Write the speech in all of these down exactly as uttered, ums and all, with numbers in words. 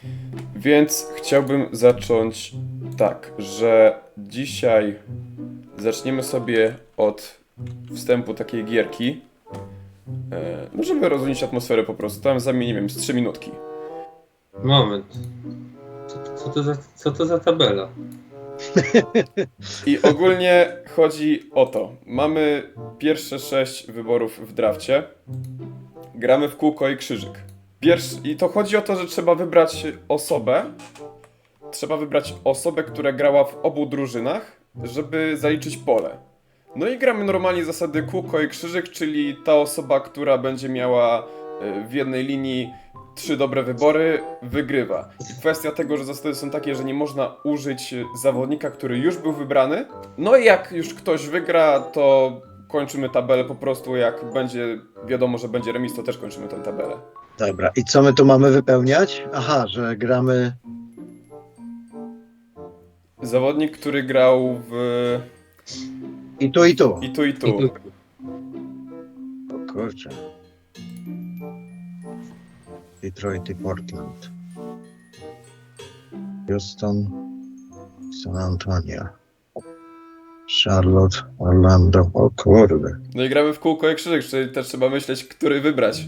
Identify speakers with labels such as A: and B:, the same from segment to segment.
A: Więc chciałbym zacząć tak, że dzisiaj zaczniemy sobie od wstępu takiej gierki. E, no żeby rozluźnić atmosferę po prostu. Tam zamienię, nie wiem, z trzy minutki.
B: Moment. Co, co, to za, co to za tabela?
A: I ogólnie chodzi o to. Mamy pierwsze sześć wyborów w drafcie. Gramy w kółko i krzyżyk. Pierwszy, I to chodzi o to, że trzeba wybrać osobę. Trzeba wybrać osobę, która grała w obu drużynach, żeby zaliczyć pole. No i gramy normalnie zasady kółko i krzyżyk, czyli ta osoba, która będzie miała y, w jednej linii trzy dobre wybory, wygrywa. I kwestia tego, że zasady są takie, że nie można użyć zawodnika, który już był wybrany. No i jak już ktoś wygra, to kończymy tabelę po prostu. Jak będzie wiadomo, że będzie remis, to też kończymy tę tabelę.
C: Dobra, i co my tu mamy wypełniać? Aha, że gramy...
A: Zawodnik, który grał w...
C: I tu, i tu.
A: i tu, i tu.
B: I tu.
C: O kurczę. Detroit i Portland. Houston, San Antonio. Charlotte, Orlando. O kurde.
A: No i gramy w kółko i krzyżyk, czyli też trzeba myśleć, który wybrać.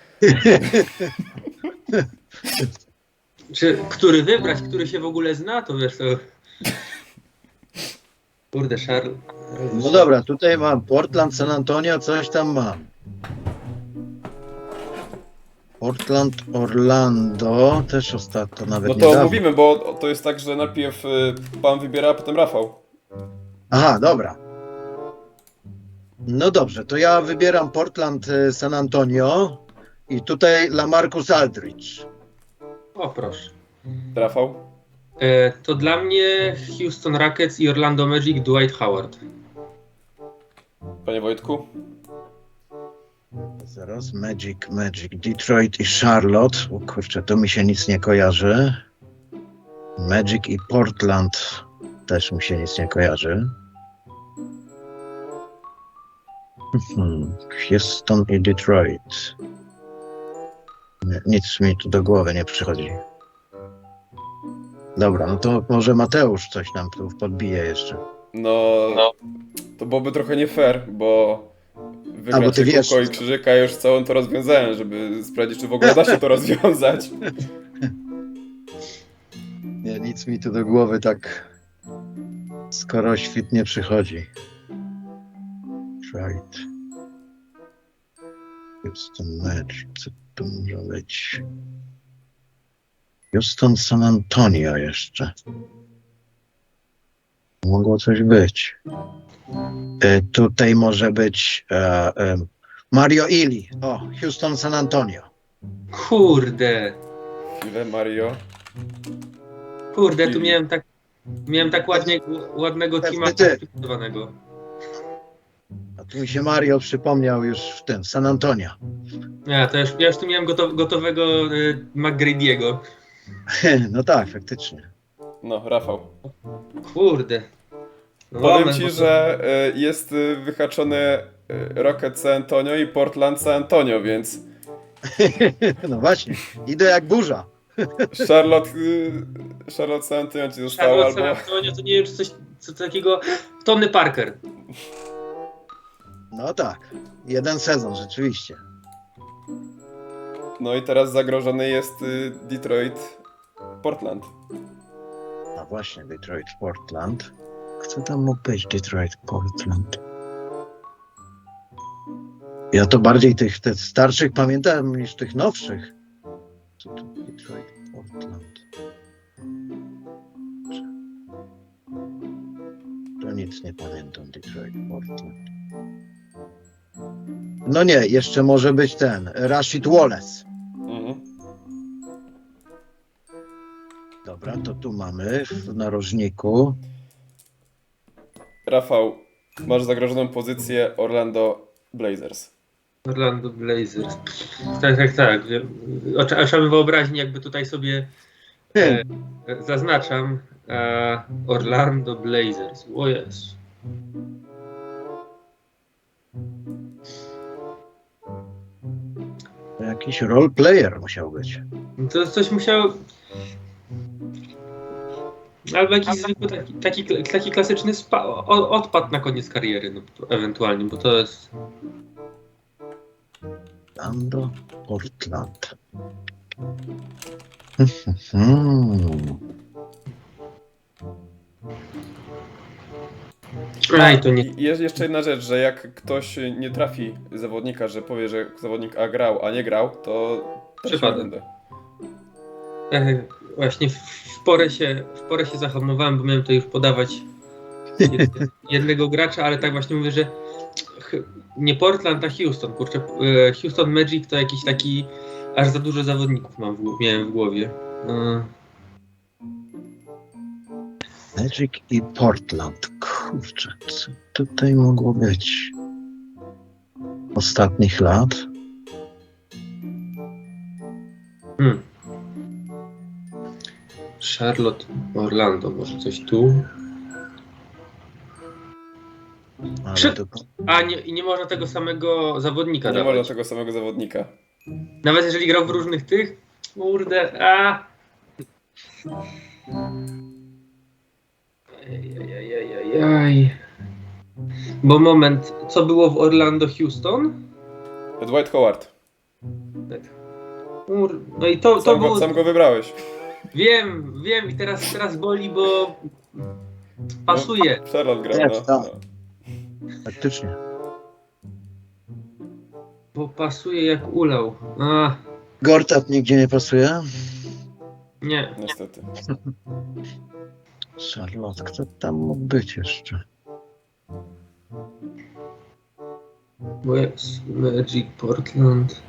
B: Czy który wybrać, który się w ogóle zna, to wiesz to... Kurde, Charles.
C: No dobra, tutaj mam Portland, San Antonio, coś tam mam. Portland, Orlando, też ostatnio nawet
A: No to
C: niedawno.
A: mówimy, bo to jest tak, że najpierw y, pan wybiera, a potem Rafał.
C: Aha, dobra. No dobrze, to ja wybieram Portland, y, San Antonio i tutaj LaMarcus Aldridge.
B: O proszę.
A: Rafał?
B: E, to dla mnie Houston Rockets i Orlando Magic Dwight Howard.
A: Panie Wojtku?
C: Zaraz, Magic, Magic, Detroit i Charlotte. O kurczę, to mi się nic nie kojarzy. Magic i Portland też mi się nic nie kojarzy. Hmm. Houston i Detroit. Nie, nic mi tu do głowy nie przychodzi. Dobra, no to może Mateusz coś nam tu podbije jeszcze.
A: No,
B: No.
A: to byłoby trochę nie fair, bo
C: A,
A: wygrać
C: bo ty wiesz.
A: kółko i krzyżyka, ja już całą to rozwiązałem, żeby sprawdzić, czy w ogóle da się to rozwiązać.
C: Nie, nic mi tu do głowy tak skoro świt nie przychodzi. Right. Houston Magic, co to może być? Houston San Antonio jeszcze. Mogło coś być. E, tutaj może być e, e, Mario Ili. O, Houston San Antonio.
B: Kurde.
A: Chwilę, Mario.
B: Kurde, tu miałem tak... Miałem tak ładnie, ładnego
C: Pewnie
B: teama
C: ty.
B: przygotowanego.
C: A tu mi się Mario przypomniał już w tym, San Antonio.
B: Ja, to już, ja już tu miałem gotow, gotowego y, McGrady'ego.
C: No tak, faktycznie.
A: No, Rafał.
B: Kurde. No
A: Powiem
B: moment,
A: ci,
B: bo to-
A: że y, jest y, wyhaczony y, Rocket San Antonio i Portland San Antonio, więc
C: No właśnie, idę jak burza.
A: Charlotte, y, Charlotte San Antonio ci zostało,
B: Charlotte San
A: albo...
B: Antonio to nie wiem, czy coś co takiego... Tony Parker.
C: No tak, jeden sezon rzeczywiście.
A: No i teraz zagrożony jest y, Detroit, Portland.
C: No właśnie, Detroit, Portland. Kto tam mógł być Detroit, Portland? Ja to bardziej tych, tych starszych pamiętam niż tych nowszych. Co to Detroit, Portland? To nic nie pamiętam, Detroit, Portland. No nie, jeszcze może być ten, Rashid Wallace.
A: Mhm.
C: Dobra, to tu mamy w narożniku.
A: Rafał, masz zagrożoną pozycję Orlando Blazers.
B: Orlando Blazers. Tak, tak, tak. Oczy- Oczami wyobraźni jakby tutaj sobie e, e, zaznaczam e, Orlando Blazers. O jest.
C: Jakiś role player musiał być.
B: To coś musiało... Albo jakiś zwykły taki, taki, taki klasyczny spa, o, odpad na koniec kariery, no, to ewentualnie, bo to jest...
C: Orlando, Portland. Hmm.
B: Aj, to nie...
A: I jest jeszcze jedna rzecz, że jak ktoś nie trafi zawodnika, że powie, że zawodnik A grał, a nie grał, to traci
B: Przypadek.
A: rundę.
B: E, właśnie w, w, porę się, w porę się zahamowałem, bo miałem to już podawać jed, jednego gracza, ale tak właśnie mówię, że ch, nie Portland, a Houston. Kurczę, e, Houston Magic to jakiś taki, aż za dużo zawodników mam w, miałem w głowie. E,
C: Magic i Portland. Kurczę, co tutaj mogło być? Ostatnich lat?
B: hmm. Charlotte, Orlando, może coś tu.
C: Ale
B: Przy-
C: to,
B: A nie, i nie można tego samego zawodnika
A: Nie
B: dawać.
A: można tego samego zawodnika.
B: Nawet jeżeli grał w różnych tych, kurde, a. Ajajajajaj. Bo moment, co było w Orlando Houston?
A: Dwight Howard.
B: Kur... No i to, to
A: Sam
B: było...
A: go, sam go wybrałeś.
B: Wiem, wiem i teraz, teraz boli, bo pasuje.
A: No, Charlotte grał,
C: Jest,
A: no.
C: tak.
A: no.
C: faktycznie.
B: Bo pasuje jak ulał. A,
C: Gortat nigdzie nie pasuje?
B: nie.
A: Niestety.
C: Charlotte, kto tam mógł być jeszcze?
B: Bo jest Magic, Portland.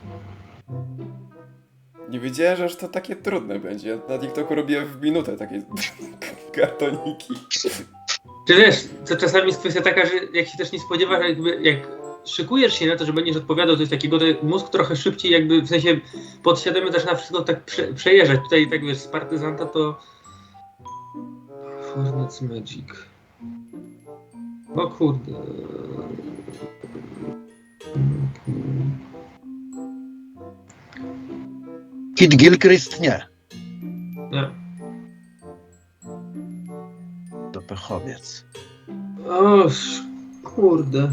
A: Nie wiedziałem, że aż to takie trudne będzie. Ja na TikToku robię w minutę takie kartoniki.
B: Czy wiesz, to czasami jest kwestia taka, że jak się też nie spodziewasz, jakby jak szykujesz się na to, że będziesz odpowiadał coś takiego, to mózg trochę szybciej jakby, w sensie podświadomie zaczyna wszystko tak prze, przejeżdżać. Tutaj tak wiesz, z partyzanta to... Hornets Magic. O kurde.
C: Kid Gilchrist nie.
B: Nie.
C: To pechowiec.
B: O, sz- kurde.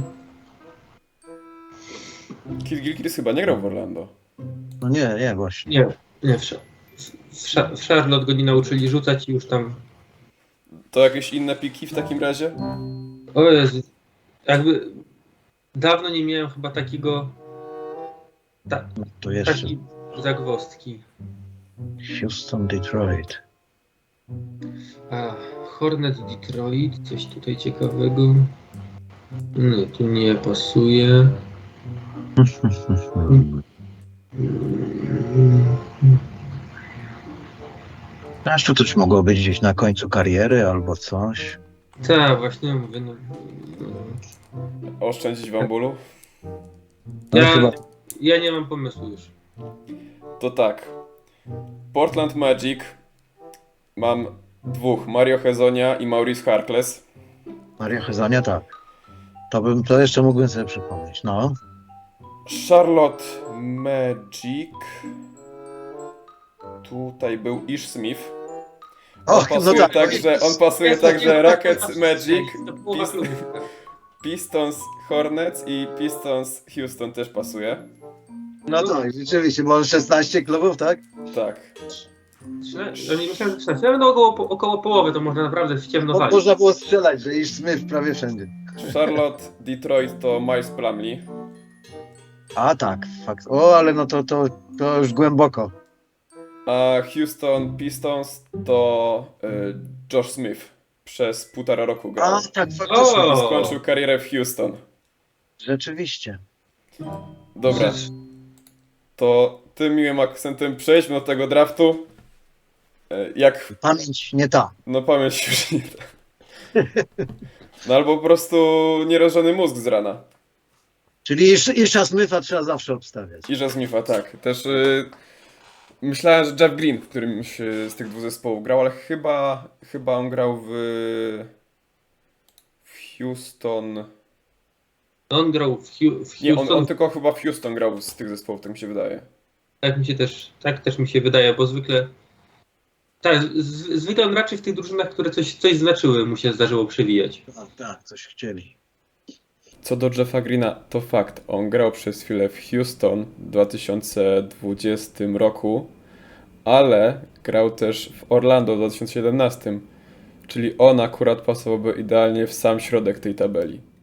A: Kid Gilchrist chyba nie grał w Orlando.
C: No nie, nie właśnie.
B: Nie, nie, w, Sza- w, Sza- w Charlotte go nie nauczyli rzucać i już tam...
A: To jakieś inne piki w takim razie?
B: O Jezu. Jakby... Dawno nie miałem chyba takiego... Ta,
C: No to jeszcze
B: takiej zagwozdki.
C: Houston, Detroit.
B: A, Hornet Detroit, coś tutaj ciekawego. Nie, tu nie pasuje.
C: Aż tu coś mogło być gdzieś na końcu kariery albo coś.
B: Tak, właśnie mówię. No,
A: Oszczędzić wam bólu?
C: No
B: ja,
C: chyba
B: ja nie mam pomysłu już.
A: To tak. Portland Magic. Mam dwóch. Mario Hezonia i Maurice Harkless.
C: Maria Hezania, tak. To bym, to jeszcze mógłbym sobie przypomnieć. No.
A: Charlotte Magic. Tutaj był Ish Smith. On
C: Och, no
A: pasuje
C: tak.
A: także, on pasuje także Rockets Magic,
B: To połowa
A: Pist-
B: klubu.
A: Pistons Hornets i Pistons Houston też pasuje.
C: No tak, rzeczywiście, może szesnaście klubów, tak?
A: Tak.
B: Trzyna- nie myślałem, że trzynaście. Nawet około, około połowy to można naprawdę w ciemno
C: Bo
B: walić.
C: można było strzelać, że Ish Smith prawie wszędzie.
A: Charlotte, Detroit to Miles Plumlee.
C: A tak, fakt. O, ale no to, to, to już głęboko.
A: A Houston Pistons to y, Josh Smith. Przez półtora roku grał.
C: A tak, faktycznie.
B: O!
A: I skończył karierę w Houston.
C: Rzeczywiście.
A: Dobra, to tym miłym akcentem przejdźmy do tego draftu. Y, Jak
C: Pamięć nie ta.
A: No pamięć już nie da. No albo po prostu nierożony mózg z rana.
C: Czyli Ish- Isha Smitha trzeba zawsze obstawiać.
A: I że Smitha, tak. Też y, myślałem, że Jeff Green w którymś y, z tych dwóch zespołów grał, ale chyba, chyba on grał w, w Houston.
B: On grał w, Hu- w
A: Nie, on,
B: Houston.
A: on tylko chyba w Houston grał z tych zespołów, tak mi się wydaje.
B: Tak mi się też, tak też mi się wydaje, bo zwykle Tak, z- zwykle on raczej w tych drużynach, które coś, coś znaczyły, mu się zdarzyło przewijać.
C: Tak, tak, coś chcieli.
A: Co do Jeffa Greena, to fakt. On grał przez chwilę w Houston w dwa tysiące dwudziestym roku, ale grał też w Orlando w dwa tysiące siedemnastym. Czyli on akurat pasowałby idealnie w sam środek tej tabeli.